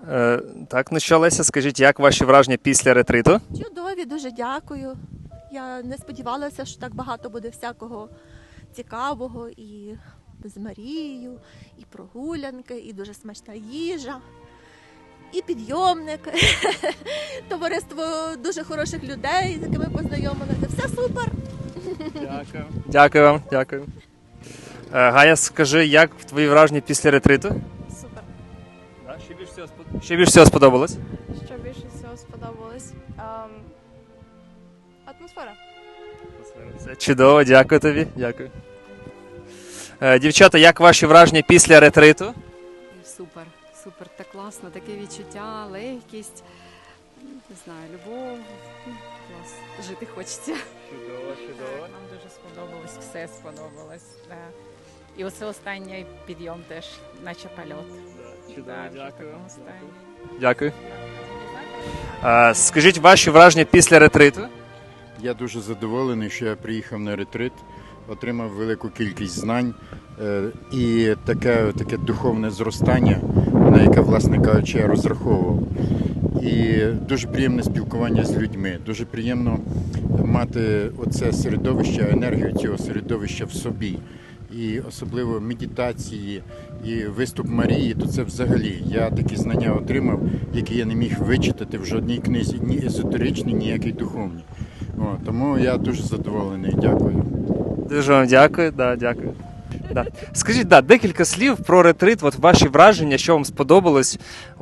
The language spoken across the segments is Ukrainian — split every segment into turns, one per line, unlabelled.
Так, ну що, Леся, скажіть, як ваші враження після ретриту?
Чудові, дуже дякую. Я не сподівалася, що так багато буде всякого цікавого і з Марією, і прогулянки, і дуже смачна їжа, і підйомник, товариство дуже хороших людей, з якими познайомилися. Все супер.
Дякую. Дякую вам, дякую. Гая, скажи, як твої враження після ретриту?
Супер.
Що більше всього сподобалось?
Що більше всього сподобалось? Атмосфера.
Це чудово, дякую тобі. Дякую. Дівчата, як ваші враження після ретриту?
Супер, супер, так класно, таке відчуття, легкість, не знаю, любов, клас, жити хочеться.
Чудово.
Нам дуже сподобалось, все сподобалось. Да. І оце останній підйом теж, наче польот.
Чудово,
Да, вже
дякую.
такому стані.
Дякую. Скажіть ваші враження після ретриту?
Я дуже задоволений, що я приїхав на ретрит, отримав велику кількість знань і таке духовне зростання, на яке, власне кажучи, я розраховував. І дуже приємне спілкування з людьми, дуже приємно мати оце середовище, енергію цього середовища в собі. І особливо медитації, і виступ Марії, то це взагалі, я такі знання отримав, які я не міг вичитати в жодній книзі, ні езотеричній, ніякій духовній. Тому я дуже задоволений, дякую.
Дуже вам дякую, дякую. Скажіть, декілька слів про ретрит, ваші враження, що вам сподобалось.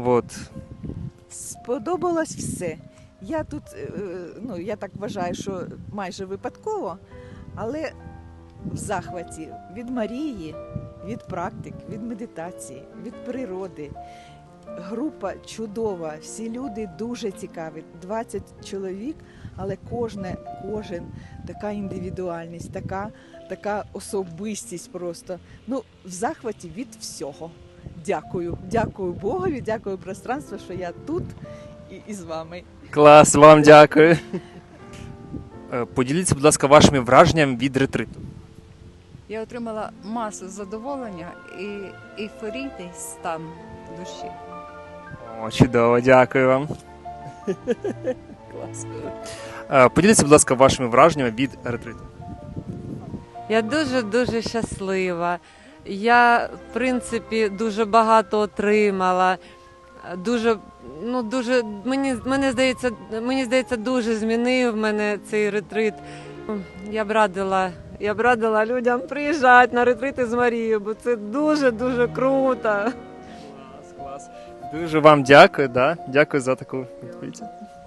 Сподобалось все. Я тут, я так вважаю, що майже випадково, але в захваті від Марії, від практик, від медитації, від природи. Група чудова, всі люди дуже цікаві, 20 чоловік, але кожен така індивідуальність, така особистість просто. В захваті від всього. Дякую Богові, дякую пространству, що я тут і з вами.
Клас, вам дякую. Поділіться, будь ласка, вашими враженнями від ретриту.
Я отримала масу задоволення і ейфорійний стан душі.
О, чудово, дякую вам. Клас. Поділіться, будь ласка, вашими враженнями від ретриту.
Я дуже щаслива. Я, в принципі, дуже багато отримала. Мені здається, дуже змінив мене цей ретрит. Я б радила людям приїжджати на ретрити з Марією, бо це дуже круто.
Клас. Дуже вам дякую, дякую за таку відповідь.